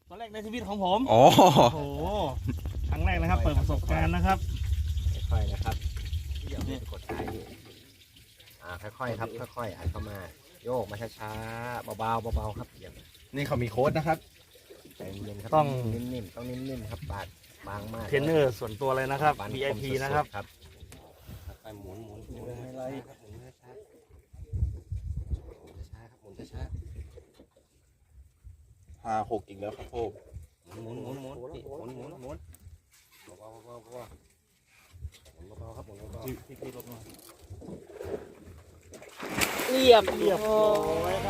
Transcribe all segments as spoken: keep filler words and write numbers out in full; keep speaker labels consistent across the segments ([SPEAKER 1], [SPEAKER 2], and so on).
[SPEAKER 1] ตอนแรกในชีวิตของผม
[SPEAKER 2] อ๋อ
[SPEAKER 1] โอ้โหครั้งแรกนะครับเปิดประสบการณ์นะครับ
[SPEAKER 3] ค่อยๆนะครับเดี๋ยวกดท้ายอยู่อ่าค่อยๆครับค่อยๆอัดเข้ามาโยกมาช้าๆเบาๆเบาๆครับอย่าง
[SPEAKER 2] นี่เขามีโค้ดนะครับ
[SPEAKER 3] ใจเย็นๆครับ
[SPEAKER 1] ต้อง
[SPEAKER 3] นิ่มๆต้องนิ่มๆครับบาดบางมาก
[SPEAKER 1] เทรนเนอร์ส่วนตัวเลยนะครับ
[SPEAKER 3] ฟัน
[SPEAKER 1] วี ไอ พี
[SPEAKER 3] มสุดๆ
[SPEAKER 1] นะครับ
[SPEAKER 3] ครับค่อยๆหมุนหมุนหมุนไม่ไรครับหมุนช้าๆหมุนช้าๆครับหมุนช้า
[SPEAKER 2] ห้าหกอีกแล้วครับพ่อ
[SPEAKER 3] ๆหมุนหมุนหมุนหมุนหมุนหมุนหมุนเบาๆเบาๆเบาๆหมุนเบาๆครับหมุนเบาๆ
[SPEAKER 1] เรียบเรียบร้อยครับ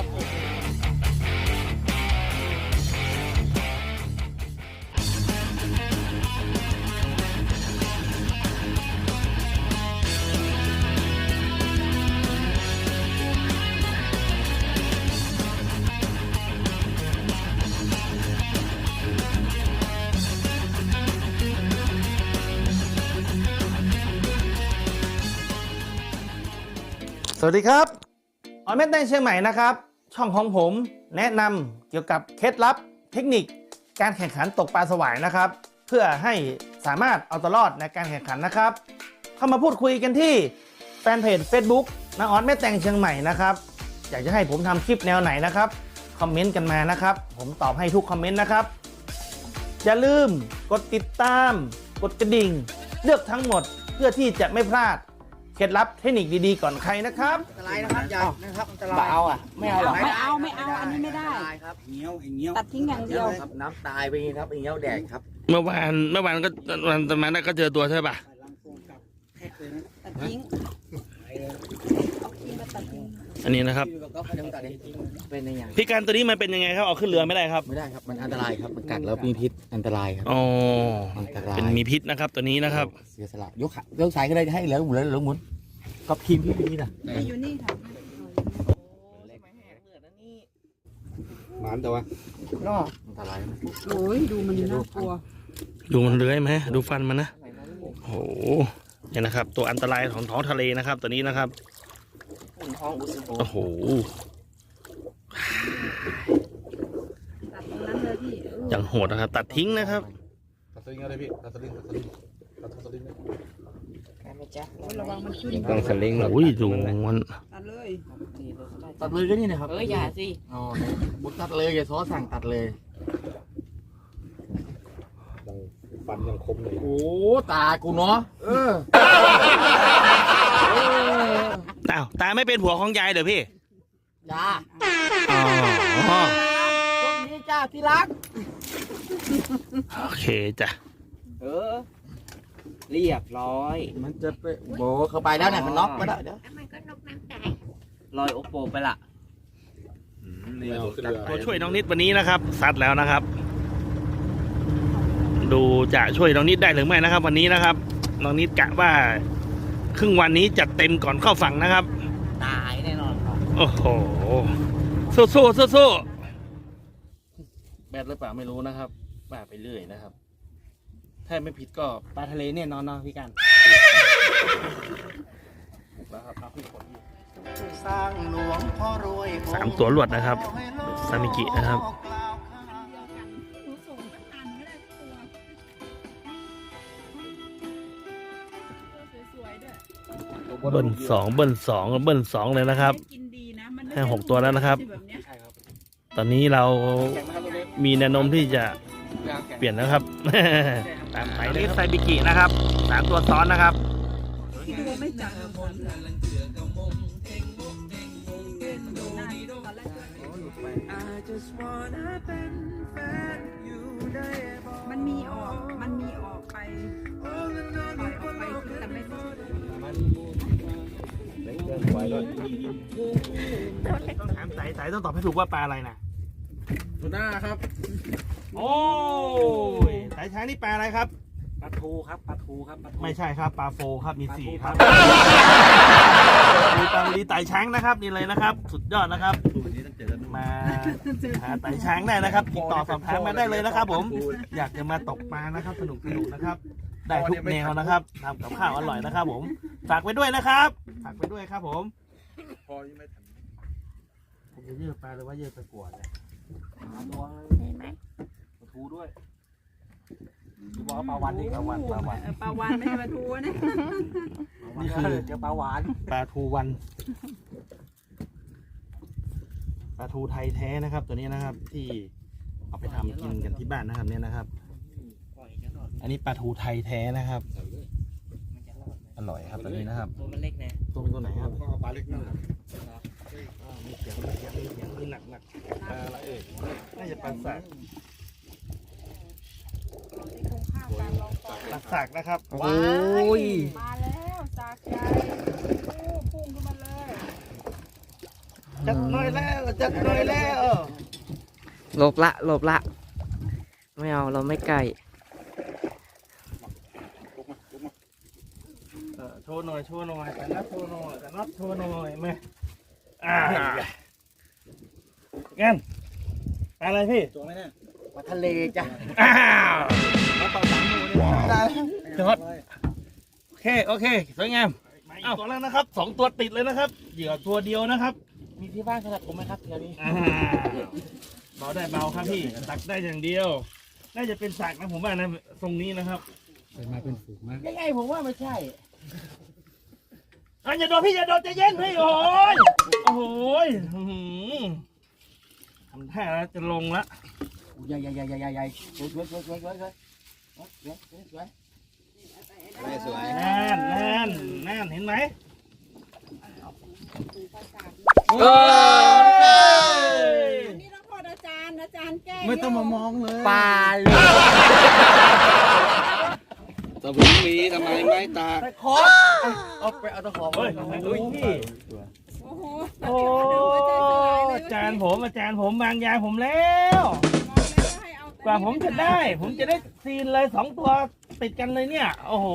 [SPEAKER 1] สวัสดีครับออนเมนในเชียงใหม่นะครับ ช่องของผมแนะนำเกี่ยวกับเคล็ดลับเทคนิคการแข่งขันตกปลาสวายนะครับ เพื่อให้สามารถเอาตัวรอดในการแข่งขันนะครับ เข้ามาพูดคุยกันที่แฟนเพจ Facebook น้าออนแม่แตงเชียงใหม่นะครับ อยากจะให้ผมทำคลิปแนวไหนนะครับคอมเมนต์กันมานะครับ ผมตอบให้ทุกคอมเมนต์นะครับ อย่าลืมกดติดตาม กดกระดิ่ง เลือกทั้งหมดเพื่อที่จะไม่พลาดเคล็ดลับเทคนิคดีๆก่อนใครนะครับ
[SPEAKER 4] อันตรายนะครับอย่านะครับอันตราย
[SPEAKER 3] เบาอ่ะไม่เอาหรอก
[SPEAKER 5] ไม่เอาไม่เอาอันนี้ไม่ได้
[SPEAKER 4] อันตรายครับเงี้ยวไอ้เงี้ยว
[SPEAKER 5] ตัดทิ้งอย่างเดียว
[SPEAKER 3] ครับน้ำตายไปครับไอ้เงี้ยวแดดครับ
[SPEAKER 1] เมื่อวานเมื่อวานก็วันตอนนั้นก็เจอตัวใช่ป่ะ
[SPEAKER 4] ลังโฟมกับแท็กเลยนะ
[SPEAKER 5] ตัดทิ้งเอาครีมมาตัดทิ้ง
[SPEAKER 1] อันนี้นะครับ
[SPEAKER 4] อยู่กับก็ยังตัดเองเป็นในอย่าง
[SPEAKER 1] พี่การตัวนี้มันเป็นยังไงครับเอาขึ้นเรือไม่ได้ครับ
[SPEAKER 3] ไม่ได้ครับมันอันตรายครับมันกัดแล้วมีพิษอันตรายครับ
[SPEAKER 1] อ๋อ
[SPEAKER 3] อันตราย
[SPEAKER 1] เป็นมีพิษนะครับตัวนี้นะครับ
[SPEAKER 3] เสียสละยกขายกสายก็ได้ให้เหลือหมุนเหลือหมุนกับทีมพี่พี่น่ะ
[SPEAKER 5] มาอยู่นี่ค่ะ
[SPEAKER 2] หมานแต่ว่า
[SPEAKER 3] อันตรายนะ
[SPEAKER 5] โอ้ยดูมันน่ากลัว
[SPEAKER 1] ดูมันเลื้อยไหมดูฟันมันนะโอ้โหเนี่ยนะครับ ตัวอันตรายของท้องทะเลนะครับ ตัวนี้นะครับ
[SPEAKER 3] ห้องอุสโบ
[SPEAKER 1] โอ้โห
[SPEAKER 5] ตัดตรงนั้นเลยพี่เออ
[SPEAKER 1] อย่างโหดนะครับ ตัดทิ้งนะครับ
[SPEAKER 2] ตัดสลิงอะไรพี่ตัดสลิงตัดสลิงตัดสลิง
[SPEAKER 5] โอ้ยระวังมันขึ้น
[SPEAKER 3] ต้องสลิงหรอ
[SPEAKER 1] โอ้ยดูมัน
[SPEAKER 5] ตัดเลย
[SPEAKER 3] ตัดเลยก็นี่นะครับ
[SPEAKER 5] เอออย่าสิ
[SPEAKER 3] อ๋อบุกตัดเลยอย่าซ้อสั่งตัดเลย
[SPEAKER 2] ยังฟันยังคมเลย
[SPEAKER 3] โอ้ตากูเนาะเออ
[SPEAKER 1] อ้าวตาไม่เป็นผัวของยายเดี๋ยวพี่
[SPEAKER 3] จ้า
[SPEAKER 1] อ๋อ
[SPEAKER 3] พวกนี้จ้าที่รัก
[SPEAKER 1] โอเคจ้ะ
[SPEAKER 4] เออเรียบร้อย
[SPEAKER 3] มันจะไปโบเข้าไปแล้วเนี่ยมันน็อกไปแล้วเดี๋ยว
[SPEAKER 4] ลอยโอโปไปละ
[SPEAKER 2] นี่เอาขึ้นเรือ
[SPEAKER 1] ตัวช่วยน้องนิดวันนี้นะครับซัดแล้วนะครับ ดูจะช่วยน้องนิดได้หรือไม่นะครับ วันนี้นะครับน้องนิดกะว่า ครึ่งวันนี้จัดเต็มก่อนเข้าฝั่งนะครับ
[SPEAKER 4] ตายแน่นอนครับ
[SPEAKER 1] โอ้โหสู้สู้สู้สู้แบดหรือเปล่าไม่รู้นะครับป่าไปเรื่อยนะครับ ถ้าไม่ผิดก็ปลาทะเลแน่นอนเนาะพี่กันถูกแล้วครับเอาขึ้นขนอยู่
[SPEAKER 4] สร้างหลวงพ่อรวย
[SPEAKER 1] สามตัวหลวดนะครับซามิกินะครับเบิ้ลสองเบิ้ลสองเบิ้ลสองเลยนะครับ
[SPEAKER 5] กินดีนะมัน
[SPEAKER 1] ให้หกตัวแล้วนะครับ
[SPEAKER 5] แบบเนี้ย
[SPEAKER 1] ตอนนี้เรามีแนวโน้มที่จะเปลี่ยนแล้วครับ ตามไปนี่ไซบิกินะครับสามตัวซ้อนนะครับ
[SPEAKER 5] ดูไม่จับมันมีออกมันมีออกไปปล่อยออกไปแต่ไม่ได้
[SPEAKER 1] ต้องถามสายสายต้องตอบให้ถูกว่าปลาอะไรนะ
[SPEAKER 2] ทูน่าครับ
[SPEAKER 1] โอ้ยสายช้างนี่ปลาอะไรครับ
[SPEAKER 4] ปลาทูครับปลาทูครับปลาทู
[SPEAKER 1] ไม่ใช่ครับปลาโฟครับมีสี่ครับมีปลาลีไต่ช้างนะครับนี่เลยนะครับ สุดยอดนะครับมาหาไต่ช้างได้นะครับติดต่อสอบถามมาได้เลยนะครับ ผมอยากจะมาตกปลานะครับสนุกสนุกนะครับ ได้ทุกแนวนะครับทำกับข้าวอร่อยนะครับ ผมฝากไปด้วยนะครับฝากไปด้วยครับ ผม
[SPEAKER 2] พอยังไม่ทัน
[SPEAKER 1] ผมจะเยื่อปลาหรือว่าเยื่อตะกั่วเนี่ย
[SPEAKER 4] ตัว
[SPEAKER 5] เห็นไหม
[SPEAKER 1] โอ้โห
[SPEAKER 3] ปลาวันนี่ปลาวันปลาวัน
[SPEAKER 5] เออปลาวันไม่ใช่ปลาทูนะ
[SPEAKER 1] นี่คือ
[SPEAKER 3] เจอปลาหวาน
[SPEAKER 1] ปลาทูวันปลาทูไทยแท้นะครับ ตัวนี้นะครับที่เอาไปทำกินกันที่บ้านนะครับเนี่ยนะครับ อันนี้ปลาทูไทยแท้นะครับอร่อยครับตัวนี้นะครับ
[SPEAKER 4] ตัวมันเล็กนะ
[SPEAKER 1] ตัวเป็นตัวไหนครับ
[SPEAKER 2] ก็เอาปลาเล็กนั่นแหละ
[SPEAKER 1] อ่ามีเสียงมีเสียงมีเสียงมีหนักหนักปลาอะไรเอ่ยน่าจะปลาสาก
[SPEAKER 5] ที่คงข้าวการลองปลา
[SPEAKER 1] ปลาสากนะครับ
[SPEAKER 4] โอ้ย
[SPEAKER 5] มาแล้วสากใหญ่โอ้พุ่งขึ้นมาเลย
[SPEAKER 1] จัดหน่อยแล้วจัดหน่อยแล้ว
[SPEAKER 4] หลบละหลบละ ไม่เอาเราไม่ไก่
[SPEAKER 1] เออโชว์หน่อยโชว์หน่อยแต่นัดโชว์หน่อยแต่นัดโชว์หน่อยไหมอ่างั้นปลาอะไรพี่
[SPEAKER 2] ตัวไหมเนี่ย
[SPEAKER 4] มาทะเลจ้ะ
[SPEAKER 1] อ้าว
[SPEAKER 2] แล้วปลาสามตัวเนี่ยได้แล้ว
[SPEAKER 1] จอดโอเคโอเคสวยงามเอาตัวแล้วนะครับสองตัวติดเลยนะครับเหยื่อตัวเดียวนะครับ
[SPEAKER 4] มีที่บ้านขนาดผมไหมครับเดี๋ยวนี้
[SPEAKER 1] อ่าเบาได้เบาครับพี่ตักได้อย่างเดียว น่าจะเป็นสากนะผมว่านะทรงนี้นะครับ
[SPEAKER 2] มาเป็นฝูงมาก
[SPEAKER 4] ยังไงผมว่าไม่ใช่
[SPEAKER 1] อ่ะอย่าโดนพี่อย่าโดนใจเย็นพี่โอ้ยโอ้โหยอื้อหือทำท่าแล้วจะลงละ
[SPEAKER 4] ใหญ่ใหญ่ใหญ่ใหญ่ใหญ่ใหญ่สวยสวยสวยสวยสวยสวยสวยสวยสวย
[SPEAKER 3] สวย
[SPEAKER 1] นั่นนั่นนั่นเห็นไหม
[SPEAKER 4] เออ
[SPEAKER 5] อันนี้ต้องโทษอาจารย์อาจารย์แก้
[SPEAKER 2] ไม่ต้องมามองเลย
[SPEAKER 4] ปลาเลย
[SPEAKER 2] ตะบุงมีทำไมไม่ตาก
[SPEAKER 4] ตะขอเอาไปเอาตะขอ
[SPEAKER 1] เฮ้ย
[SPEAKER 4] มา
[SPEAKER 1] ดูพี่
[SPEAKER 5] โอ้โห
[SPEAKER 1] โอ้อาจารย์ผมอาจารย์ผมบางยางผมแล้ว กว่าผมจะได้ ผมจะได้ซีนเลยสองตัวติดกันเลยเนี่ย โอ้โห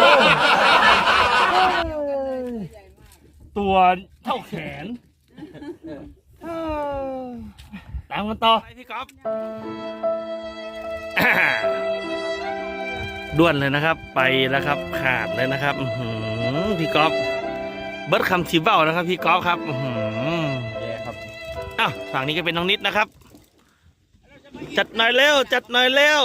[SPEAKER 1] ตัวเท่าแขนเออตามกันต่อพี่ก๊อฟด้วนเลยนะครับ ไปแล้วครับ ขาดเลยนะครับอื้อหือพี่ก๊อฟเบิร์ดคำชิเบ้านะครับ พี่ก๊อฟครับอื้อหือ
[SPEAKER 3] แย่ครับ
[SPEAKER 1] อ้าวฝั่งนี้ก็เป็นน้องนิดนะครับ จัดหน่อยเร็ว จัดหน่อยเร็ว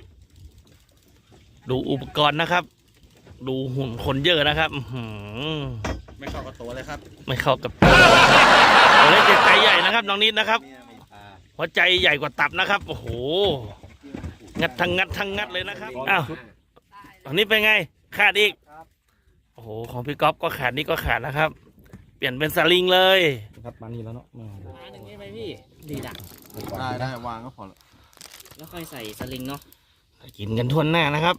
[SPEAKER 1] ดูอุปกรณ์นะครับ ดูหุ่นคนเยอะนะครับอื้อหือ
[SPEAKER 2] ไม่เข้ากับตัวเลยครับ
[SPEAKER 1] ไม่เข้ากับตัวตัวเล็กใจใหญ่นะครับน้องนิดนะครับ
[SPEAKER 3] เนี่ยมีปลา
[SPEAKER 1] หัวใจใหญ่กว่าตับนะครับ โอ้โห งัดทั้งงัดทั้งงัดเลยนะครับ อ้าวอันนี้เป็นไง ขาดอีก โอ้โห ของพี่ก๊อฟก็ขาดนี่ก็ขาดนะครับ เปลี่ยนเป็นสลิงเลยครับมานี่แล้วเนาะ
[SPEAKER 4] ปลาหนึ่งได้ไหมพี่ดีดัก
[SPEAKER 2] ได้ได้วางก็พอละ
[SPEAKER 4] แล้วค่อยใส่สลิงเนาะ
[SPEAKER 1] กินกันทั่วหน้านะครับ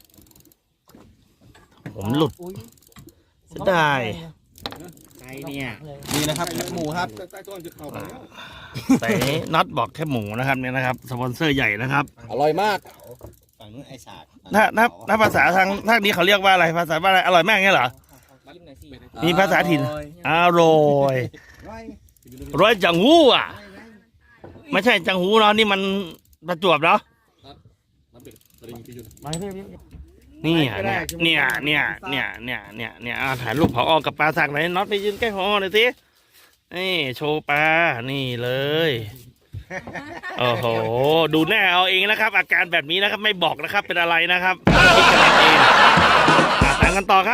[SPEAKER 1] ผมหลุดเสียดาย
[SPEAKER 4] ไก่เนี่ย
[SPEAKER 2] นี่นะครับหมูครับใต้ต้นจะเข้าไปแล้ว
[SPEAKER 1] แต่น็อตบอกแค่หมูนะครับเนี่ยนะครับ สปอนเซอร์ใหญ่นะครับ
[SPEAKER 3] อร่อยมากฝั่งนู้นไอ้สาก
[SPEAKER 1] ถ้าถ้าถ้าภาษาทางทางนี้เขาเรียกว่าอะไร ภาษาว่าอะไร อร่อยมากเงี้ยเหรอ
[SPEAKER 4] ยิ้มหน่อยสิ
[SPEAKER 1] มีภาษาถิ่น อร่อยร้อยจังหูอ่ะ ไม่ใช่จังหูเนาะนี่มันประจวบเนาะ
[SPEAKER 2] น้ำเป็ดสลิงพี่ยุน
[SPEAKER 1] นี่อ่ะเนี่ยเนี่ยเนี่ยเนี่ยเนี่ยเนี่ยเนี่ยเอาถ่ายรูปผอกับปลาสักหน่อยน็อตไปยืนใกล้ผอหน่อยสินี่โชว์ปลานี่เลยโอ้โหดูแน่เอาเองนะครับ อาการแบบนี้นะครับไม่บอกนะครับเป็นอะไรนะครับคิดกันเอาเองอ่ะตามกันต่อครับ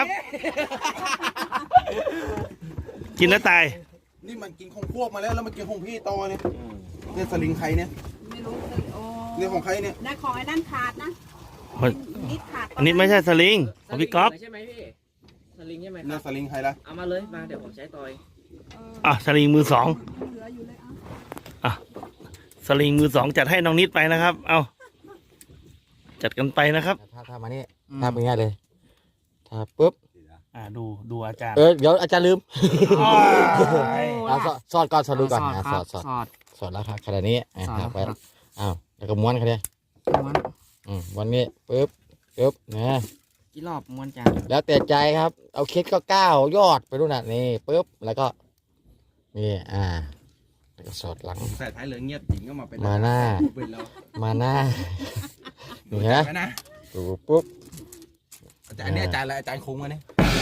[SPEAKER 1] กินแล้วตาย
[SPEAKER 2] นี่มันกินของพวกมาแล้วแล้วมันกินของพี่ต่อเนี่ยเนี่ยสลิงใครเนี่ย
[SPEAKER 5] ไม่รู้เลยโอ้
[SPEAKER 2] เนี่ยของใครเนี่ย
[SPEAKER 5] ได้ของไอ้นั่นขาดนะ
[SPEAKER 1] เฮ้ย
[SPEAKER 5] นิดขาด
[SPEAKER 1] อันนี้ไม่ใช่สลิงของพี่ก๊อฟ
[SPEAKER 4] ใช่ไหมพี่สลิงใช่ไหมค
[SPEAKER 2] เนี่
[SPEAKER 4] รั
[SPEAKER 2] ย
[SPEAKER 4] บ
[SPEAKER 2] สลิงใครล่ะ
[SPEAKER 4] เอามาเลยมาเดี๋ยวผมใช้ต่อย
[SPEAKER 5] เออ
[SPEAKER 1] อ่ะสลิงมือสอง
[SPEAKER 5] เหลืออยู่เลยเอ่ะ
[SPEAKER 1] สลิงมือสองจัดให้น้องนิดไปนะครับ เอาจัดกันไปนะครับ
[SPEAKER 3] ถ้าถ้ามานี่ถ้าเป็นง่ายเลยถ้าปุ๊บ
[SPEAKER 1] อ่าดูดูอาจารย์
[SPEAKER 3] เออเดี๋ยวอาจารย์ลืม
[SPEAKER 1] อ้าย
[SPEAKER 3] เอาสอดสอดก่อนสอดดูก่อนอ่ะสอดสอด
[SPEAKER 4] สอด
[SPEAKER 3] สอดแล้วครับขนาดนี้อ่ะ
[SPEAKER 4] สอด
[SPEAKER 3] หักไป
[SPEAKER 4] ครับ
[SPEAKER 3] อ้าวแล้วก็ม้วนเขาเนี่ย
[SPEAKER 4] ม้วน
[SPEAKER 3] อืมวันนี้ปุ๊บปุ๊บนะ
[SPEAKER 4] กี่รอบม้วนจาน
[SPEAKER 3] แล้วแต่ใจครับ เอาเคสก็เก้ายอดไปดูน่ะนี่ปุ๊บแล้วก็นี่อ่าแล้วก็สอดหลัง
[SPEAKER 2] ใส่ท้ายเหลืองเงียบจริงก็มาเป็น
[SPEAKER 3] มาหน้า
[SPEAKER 2] เป็นแล้ว
[SPEAKER 3] มาหน้านี่ฮะ
[SPEAKER 2] ไปนะ
[SPEAKER 3] ดูปุ๊บ
[SPEAKER 2] อาจารย์เนี่ยอาจารย์อะไรอาจารย์คงมาเนี่ย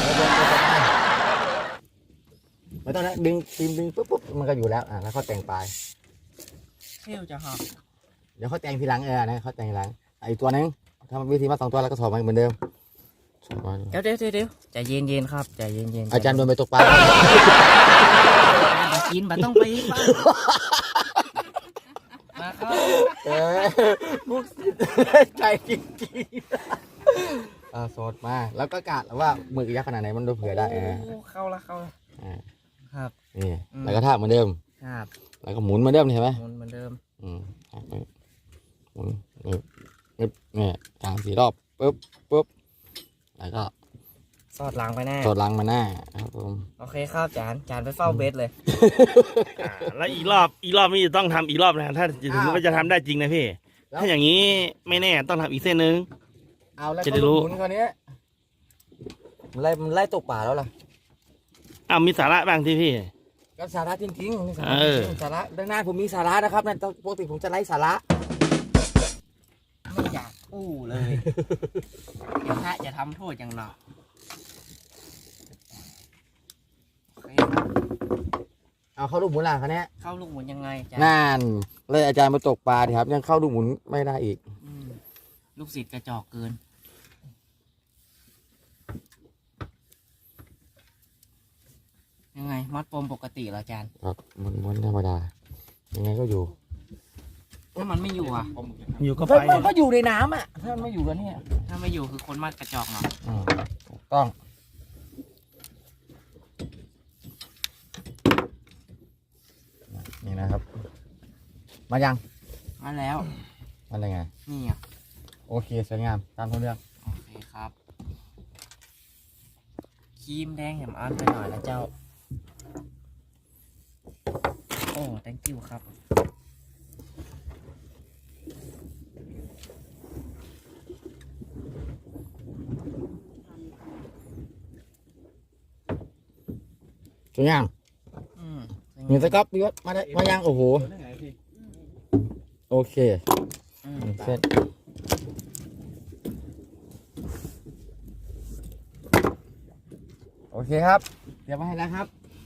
[SPEAKER 3] ไม่ต้องนะดึงดึงดึงปุ๊บปุ๊บมันก็อยู่แล้วอ่าแล้วเขาแต่งปลาย
[SPEAKER 4] เที่ยวจะหัก
[SPEAKER 3] เดี๋ยวเขาแต่งทีหลังเออนะเขาแต่งทีหลังอีกตัวนึง
[SPEAKER 4] ถ้าวิธีมัดสองตัวแล้วก็ถอดมาเหมือนเดิมถอดมา
[SPEAKER 6] เดี๋ยวเดี๋ยวเดี๋ยวใจเย็นเย็นๆครับใจเย็นเย็นๆ
[SPEAKER 4] อาจารย์โดนไปตกปลา
[SPEAKER 6] บักินบัต้องไปบ้านมาครับ
[SPEAKER 4] เออมุกสิใจจริงๆอ่าสดมาแล้วก็กะว่าหมึกยักษ์ขนาดไหนมันดูเผื่อได้นะ
[SPEAKER 6] โอ้เข้าละเข้าละ
[SPEAKER 4] อ่า
[SPEAKER 6] ครับ
[SPEAKER 4] นี่
[SPEAKER 6] อืม
[SPEAKER 4] แล้วก็ท่าบเหมือนเดิม
[SPEAKER 6] ครับ
[SPEAKER 4] แล้วก็หมุนเหมือนเดิมเห็นไหม
[SPEAKER 6] หมุนเหมือนเดิม
[SPEAKER 4] อืมหมุนหมุนปึ๊บเนี่ยสามสี่รอบปึ๊บปึ๊บแล้วก็
[SPEAKER 6] สอดหลังไปแน่
[SPEAKER 4] สดลังมาหน้าครับผม
[SPEAKER 6] โอเคครับจานจานไปเฝ้าเบสเลย
[SPEAKER 1] อ่าแล้วอีกรอบอีกรอบนี้จะต้องทำอีกรอบนะถ้าถึงว่าจะทำได้จริงนะพี่ ถ้าอย่างนี้ไม่แน่ต้องทำอีกเส้นนึง
[SPEAKER 4] เอาแล้ว
[SPEAKER 1] จะได้รู้
[SPEAKER 4] หมุนคราวนี้มันไล่มันไล่ตกป่าแล้วล่ะ
[SPEAKER 1] อ้าวมีสาระบ้างที่พี่
[SPEAKER 4] ก็สาระจริงๆนี่สาระ
[SPEAKER 1] เออ
[SPEAKER 4] จริงๆสาระด้านหน้าผมมีสาระนะครับนั่นปกติผมจะไล่สาระ
[SPEAKER 6] ไม่อยากอู้เลย เดี๋ยวพระจะทำโทษอย่างหนักโอเคครับ
[SPEAKER 4] เอาเข้าลูกหมุนหลังคราวนี้
[SPEAKER 6] เข้าลูกหมุนยังไงจาน
[SPEAKER 4] นั่นเลยอาจารย์มาตกปลาดิครับ ยังเข้าลูกหมุนไม่ได้อีก
[SPEAKER 6] อืมลูกศิษย์กระจอกเกิน ยังไง มัดปมปกติเหรออาจารย์
[SPEAKER 4] ครับหมุนหมุนธรรมดายังไงก็อยู่
[SPEAKER 6] ถ้ามันไม่อยู่อ่ะ
[SPEAKER 1] อยู่ก็
[SPEAKER 4] ก็
[SPEAKER 1] ไป
[SPEAKER 4] มันก็อยู่ในน้ำอ่ะถ้ามันไม่อยู่กันเนี่ย
[SPEAKER 6] ถ้าไม่อยู่คือคนมัดกระจอกเนาะ
[SPEAKER 4] อืมถูกต้องนี่นะครับ มายัง
[SPEAKER 6] มาแล้ว
[SPEAKER 4] มันยังไง
[SPEAKER 6] นี่อ่ะ
[SPEAKER 4] โอเคสวยงามตามท้องเรื่อง
[SPEAKER 6] โอเคครับครีมแดงแหมอันไปหน่อยนะเจ้า โอ้ thank you ครับ
[SPEAKER 4] สวยงาม
[SPEAKER 6] อืม
[SPEAKER 4] มีสก๊อปพี่วัดมาได้มายังโอ้โหโอเค
[SPEAKER 6] อืม
[SPEAKER 4] เสร็จโอเคครับ เดี๋ยวมาให้แล้วครับ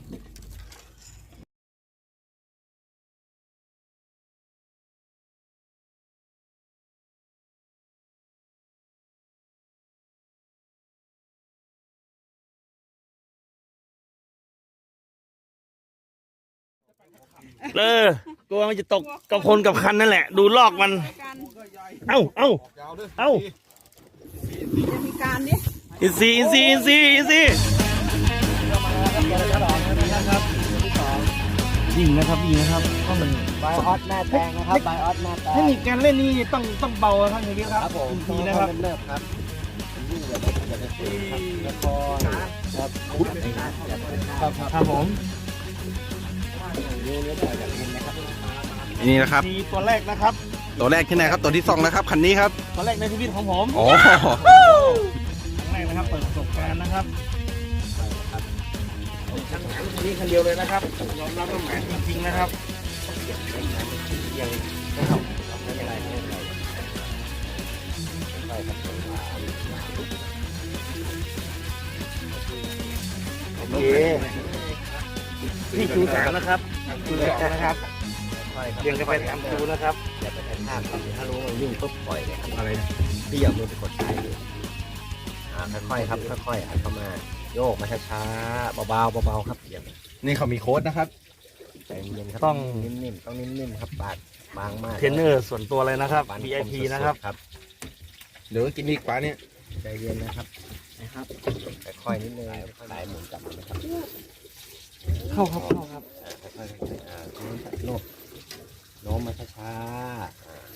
[SPEAKER 1] เออกลัวมันจะตกกับคนกับคันนั่นแหละ ดูลอกมัน
[SPEAKER 5] กัน
[SPEAKER 1] เอ้าเอ้า
[SPEAKER 2] ยาวด้วย
[SPEAKER 1] เอ้า
[SPEAKER 5] จะมีการดิ
[SPEAKER 1] อินซีอินซีอินซีอินซียิงนะครับยิงนะครับเพราะมัน
[SPEAKER 4] ไบออสหน้าแตงนะครับไบออสหน้าแต
[SPEAKER 1] เทค
[SPEAKER 4] ง
[SPEAKER 1] นิคการเล่นนี่ต้องต้องเบาครับอย่างนี้ครับ
[SPEAKER 4] ครับผม
[SPEAKER 1] ดีนะครับ
[SPEAKER 4] เริ่มครับยิ่งอย่าไปอย่าไปเตะครับแล้วก็ครับคุดครับครับ
[SPEAKER 1] ครับผม
[SPEAKER 4] นี่นี่ต่อจากนี้นะครับ
[SPEAKER 2] นี่นะครับ
[SPEAKER 1] ทีตัวแรกนะครับ
[SPEAKER 2] ตัวแรกที่ไหนครับตัวที่สองนะครับคันนี้ครับ
[SPEAKER 1] ตัวแรกในชีวิตของผม
[SPEAKER 2] อ๋อ
[SPEAKER 1] ครั้งแรกนะครับเปิดประสบการณ์นะครับนี่คันเดียวเลยนะครับยอมรับว่าแหมจริงๆนะครับโอเคนี่คือสามนะครับคือสองนะครับเรียงกันไปตามคิวนะครับ
[SPEAKER 3] อย่าไปกระชากครับถ้ารู้ว่าวิ่งปุ๊บปล่อยเลยครับอะไรพี่อย่ามือไปกดท้ายเลยอ่าค่อยๆครับค่อยๆอัดเข้ามาโยกมาช้าๆเบาๆเบาๆครับอย่า
[SPEAKER 2] นี่เขามีโค้ดนะครับ
[SPEAKER 3] ใจเย็นครับ
[SPEAKER 1] ต้อง
[SPEAKER 3] นิ่มๆต้องนิ่มๆครับปาดบางมาก
[SPEAKER 1] เทรนเนอร์ส่วนตัวเลยนะครับ
[SPEAKER 3] ฟัน
[SPEAKER 1] วี ไอ พี
[SPEAKER 3] มสุดๆ
[SPEAKER 1] นะครับ
[SPEAKER 3] ครับ
[SPEAKER 2] เดี๋ยวกินอีกปลาเนี่ย
[SPEAKER 3] ใจเย็นนะครับนะครับค่อยๆนิดนึงค่อยๆสายหมุนกลับมานะครับ
[SPEAKER 1] เข้าครับเข้าครับ
[SPEAKER 3] อ่าค่อยๆอ่าโน้มโน้มโน้มมาช้าๆอ่า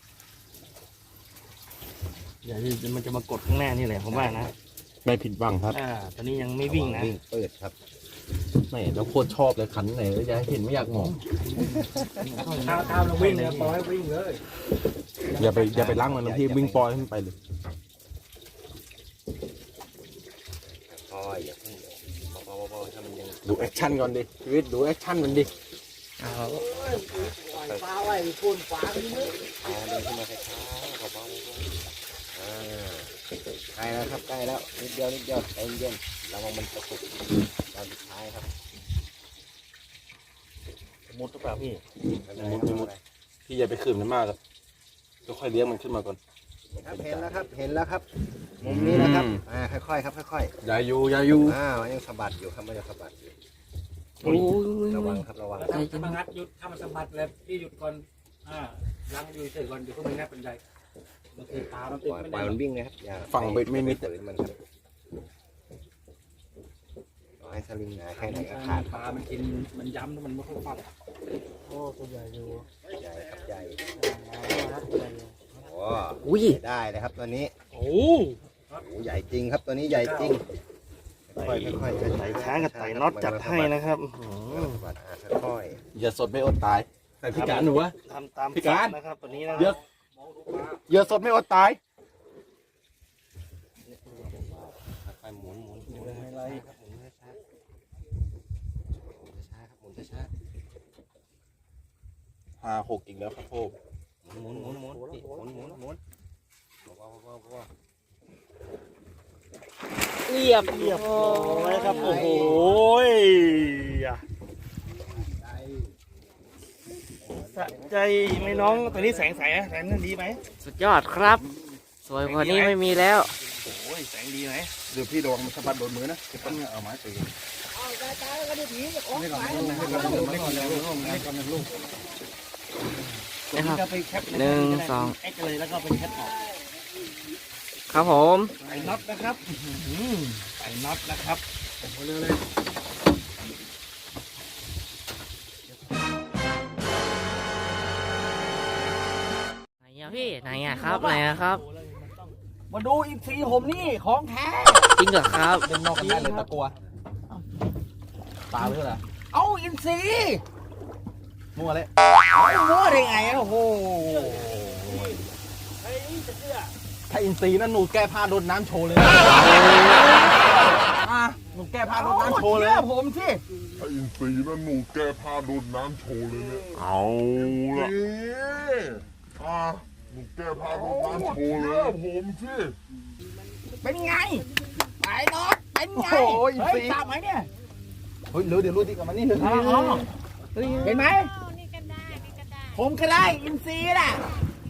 [SPEAKER 1] เดี๋ยวมันจะมากดข้างหน้านี่แหละผมว่านะ
[SPEAKER 2] ไม่ผิดหวังครับ
[SPEAKER 1] อ่าตอนนี้ยังไม่วิ่งนะ
[SPEAKER 3] วิ่งเปิดครับ
[SPEAKER 2] ไม่แล้วโคตรชอบเลยคันไหนแล้วจะเห็นไม่อยากมอง
[SPEAKER 4] ข้าวข้าวเราวิ่งเลยปล่อยให้วิ่งเลย
[SPEAKER 2] อย่าไปอย่าไปล้างมันนะพี่วิ่งปล่อยให้มันไปเลย
[SPEAKER 3] ค่อยอย่าเพิ่งเบาๆเบาๆถ้ามันยัง
[SPEAKER 2] ดูแอคชั่นก่อนดิชีวิตดูแอคชั่นมันดิ
[SPEAKER 4] ฟ้าไว้คุณฟ้าพี่นึก
[SPEAKER 3] เอาเดินขึ้นมาช้าๆเบาๆอ่าใกล้แล้วครับใกล้แล้วนิดเดียวนิดเดียวใจเย็นระวังมันตะกุกตอนสุดท้ายครับ
[SPEAKER 1] มุดหรือเปล่าพี่
[SPEAKER 3] ไม่เป็นไรครับไม่เป็นไร
[SPEAKER 2] พี่อย่าไปขืนมันมากครับค่อยๆเลี้ยงมันขึ้นมาก่อน
[SPEAKER 3] อครับเห็นแล้วครับเห็นแล้วครับมุมนี้นะครับอ่าค่อยๆครับค่อย
[SPEAKER 4] อย่าอยู่อย่าอยู่
[SPEAKER 3] ๆอ้าวยังสะบัดอยู่ครับมันจะสะบัดอยู่
[SPEAKER 6] โอ้ย
[SPEAKER 3] ระวังครับระวัง
[SPEAKER 6] ใจจะ
[SPEAKER 7] ถ้ามันงัดหยุดถ้ามันสะบัดแล้วพี่หยุดก่อนอ่ายังอยู่เฉยก่อนเดี๋ยวพวกมันงัดเป็นไรบางทีปลามันติ
[SPEAKER 3] ป
[SPEAKER 7] ด
[SPEAKER 3] ล่อย
[SPEAKER 7] ไม่
[SPEAKER 3] ปล่อย
[SPEAKER 7] ได้
[SPEAKER 3] มันวิ่งเลยครับอย่า
[SPEAKER 4] ฝั่งเบ็ดไม่มิด
[SPEAKER 3] ฝืนมันครับต่อให้สลิงหนาแค่ไหนก็ขาด
[SPEAKER 7] ปลามันกินมันย้ำแล้วมันไม่ค่อยฟัดโอ้ตัวใหญ่อยู่
[SPEAKER 3] ใหญ่ครับใหญ่
[SPEAKER 7] ครับใหญ่อยู่
[SPEAKER 3] โอ้
[SPEAKER 6] อุ้ย
[SPEAKER 3] ได้เลยครับตัวนี้
[SPEAKER 7] โอ้
[SPEAKER 3] โอ้ใหญ่จริงครับตัวนี้ใหญ่จริงค่อยๆค่อยๆ
[SPEAKER 1] ไต่ช้างกับไต่น็อตจัดให้นะครับอื้อหือ
[SPEAKER 3] สะบัดอ่าค่อย
[SPEAKER 4] อย่าสดไม่อดตายแต่พี่การหนูวะ
[SPEAKER 1] ทำตาม
[SPEAKER 4] พี่การ
[SPEAKER 1] นะครับตัวนี้นะ
[SPEAKER 4] เยอะอย่าสดไม่อดตาย
[SPEAKER 3] ๆค่อยๆหมุนหมุนหมุนอะไรครับหมุนช้าๆช้าๆครับหมุนช้า
[SPEAKER 4] ห้าหกอีกแล้วครับผม
[SPEAKER 3] ๆหมุนหมุนหมุนหมุนหมุนหมุนหมุนเบาๆเบาๆเบา
[SPEAKER 6] เรียบ
[SPEAKER 1] เรียบร้อยครับโอ้โหอ่ะสะใจไหมน้องตัวนี้แสงใสนะแสงนั่นดีไหม
[SPEAKER 6] สุดยอดครับ สวยกว่านี้ไม่มีแล้ว
[SPEAKER 1] โอ้ยแสงดีไหม
[SPEAKER 4] เดี๋ยวพี่ระวังมันสะบัดโดนมือนะเดี๋ยวต้นเนี่ยเอาไม้ตี
[SPEAKER 6] นะครับ
[SPEAKER 1] ก็ไปแคป
[SPEAKER 6] หนึ่งสอง
[SPEAKER 1] แอคเลยแล้วก็ไปแคปออก
[SPEAKER 6] ครับผม
[SPEAKER 1] ใส่น็อตนะครับอื้อหือใส่น็อตนะครับเร็วเลย
[SPEAKER 6] ไหนอะพี่ไหนอะครับไหนอะครับ
[SPEAKER 1] มาดูอีกทีผมนี่ของแท้
[SPEAKER 6] จริงเหรอครับ
[SPEAKER 4] เล่นนอกกันได้เลยตะกัวตาเพื่ออะไร
[SPEAKER 1] เอาอินซี
[SPEAKER 4] มั่วเลย
[SPEAKER 1] มั่วได้ไงอะโอ้โห
[SPEAKER 4] ถ้าอินซีนั่นหนูแก้ผ้าโดนน้ำโชว์เลยอ่ะหนูแก้ผ้าโดนน้ำโชว์เลย
[SPEAKER 1] ผมสิ
[SPEAKER 8] ถ้าอินซีนั่นหนูแก้ผ้าโดนน้ำโชว์เลยเนี่ย เอาละอ่ะหนูแก้ผ้าโดนน้ำโชว์เลยผมสิ
[SPEAKER 1] เป็นไงไอ้น็อตเป็นไง
[SPEAKER 4] โอ้ยอิน
[SPEAKER 1] เฮ้ย
[SPEAKER 4] ซี
[SPEAKER 1] ตามไหมเนี่ย
[SPEAKER 4] เฮ้ยเร็วเดี๋ยวรู้ดีกับมันนี่เลย
[SPEAKER 1] อ๋อเห็นไหมผมก็ได้อินซีน่ะ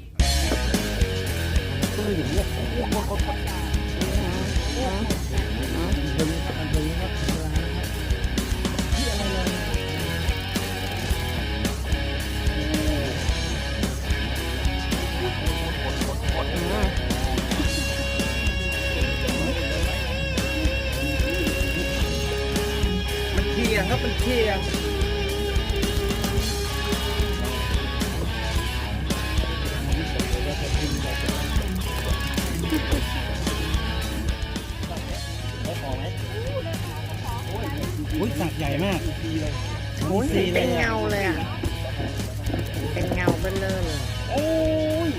[SPEAKER 2] มันเคียงครับมันเคียง
[SPEAKER 1] อุ้ยสักใหญ่มาก
[SPEAKER 6] เป็นเงาเลยอ่ะ เป็นเงาเบลอเลย
[SPEAKER 1] โอ้ย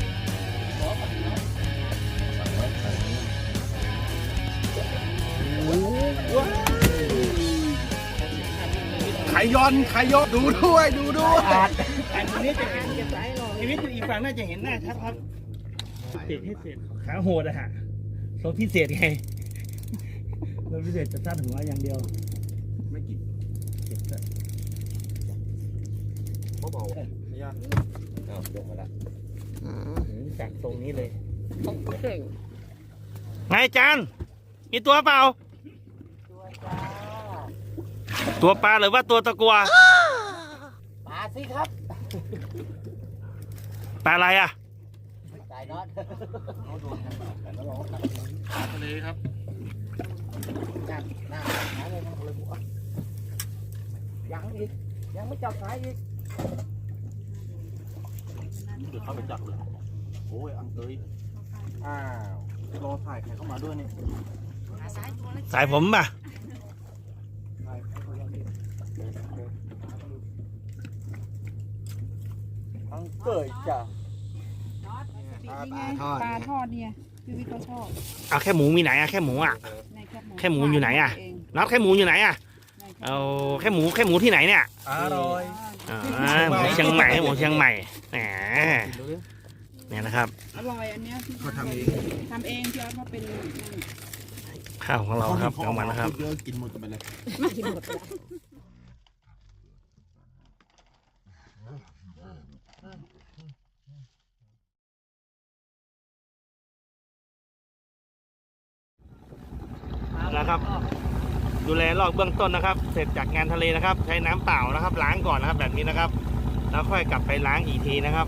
[SPEAKER 4] ไขย้อนไขย้อนดูด้วยดูด้วย
[SPEAKER 1] อาจแต่ตรงนี้จะเห็นชีวิตอยู่อีกฝั่งน่าจะเห็นหน้าชัดครับเศษให้เศษขาโหดอะฮะรถพิเศษไงรถพิเศษจะสั้นหัวอย่างเดียว ไม่กี่เจ็บเลย
[SPEAKER 3] เบาๆเอาลงมาละ
[SPEAKER 1] จากตรงนี้เลยไงจานมีตัวเปล่า ตัวปลาหรือว่าตัวตะกัว
[SPEAKER 6] ปลาสิครับ
[SPEAKER 1] ปลาอะไรอ่ะ
[SPEAKER 6] สายน็อต
[SPEAKER 1] ทะเลครับ
[SPEAKER 6] จับหน้าหาเลยนะเลยหัวยังอีก ยังไม่จับสายอีก
[SPEAKER 4] เดี๋ยวเข้าไปจับเลยโอ้ยอังเตยอ้าวรอถ่ายใครเข้ามาด้วยนี่
[SPEAKER 1] สายผมป่ะ
[SPEAKER 4] อังเตยจ้ะ
[SPEAKER 5] นี่ไงปลาทอดเนี่ยพี่วิทย์เขาชอบ
[SPEAKER 1] เอาแค่หมูมีไหนอ่ะแค่หมูอ่ะ
[SPEAKER 5] ในแคบหมู
[SPEAKER 1] แค่หมูอยู่ไหนอะ
[SPEAKER 5] เง
[SPEAKER 1] น็อตแค่หมูอยู่ไหนอ่ะ
[SPEAKER 5] ในแคบหมู
[SPEAKER 1] เอาแค่หมูแค่หมูที่ไหนเนี่ย
[SPEAKER 4] อร่อย
[SPEAKER 1] อ่าหมูเชียงใหม่หมูเชียงใหม่แหมเนี่ยนะครับ
[SPEAKER 5] อร่อยอันเนี้ยพี่
[SPEAKER 4] เขาทำเอง
[SPEAKER 5] ทำเองพี่ออสเขาเป็นนั่น
[SPEAKER 1] ข้าวของเราครับกลางวันนะครับ
[SPEAKER 4] เยอะกินหมดกันไปเลย
[SPEAKER 5] ไม่กินหมดแล้ว
[SPEAKER 1] นะครับ ดูแลลอกเบื้องต้นนะครับ เสร็จจากงานทะเลนะครับ ใช้น้ำเปล่านะครับ ล้างก่อนนะครับแบบนี้นะครับ แล้วค่อยกลับไปล้างอีกทีนะครับ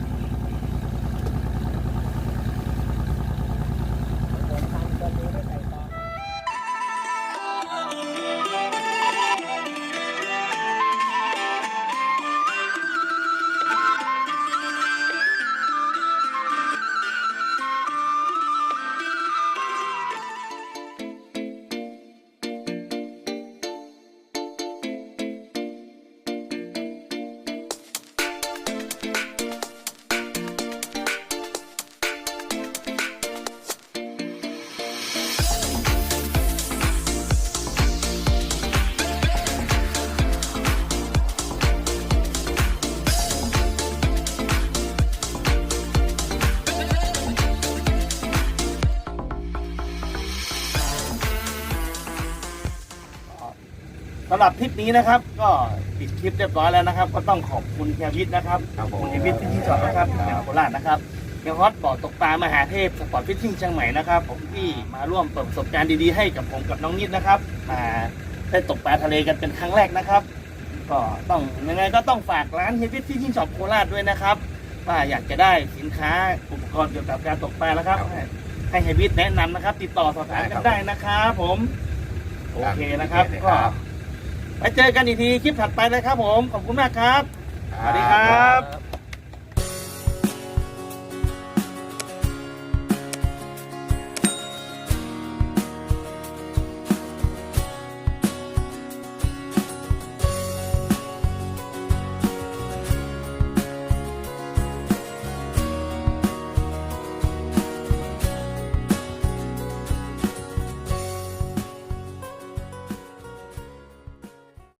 [SPEAKER 1] สำหรับทริปนี้นะครับ ก็ปิดคลิปเรียบร้อยแล้วนะครับ ก็ต้องขอบคุณเฮียวิทย์นะครับ
[SPEAKER 3] ครับผม
[SPEAKER 1] คุณเฮียวิทย์ที่จอดนะครับจากโคราชนะครับเฮียฮอตบ่อตกปลามหาเทพสปอร์ตฟิชชิ่งเชียงใหม่นะครับผมที่มาร่วมเปิดประสบการณ์ดีๆให้กับผมกับน้องนิดนะครับมาได้ตกปลาทะเลกันเป็นครั้งแรกนะครับ ก็ต้องยังไงก็ต้องฝากร้านเฮียวิทย์ฟิชชิ่งช็อปโคราชด้วยนะครับว่าอยากจะได้สินค้าอุปกรณ์เกี่ยวกับการตกปลาแล้วครับให้ให้เฮียวิทย์แนะนำนะครับ ติดต่อสอบถามกันได้นะครับผมโอเคนะครับก็ไปเจอกันอีกทีคลิปถัดไปเลยครับผม ขอบคุณมากครับ สวัสดีครับ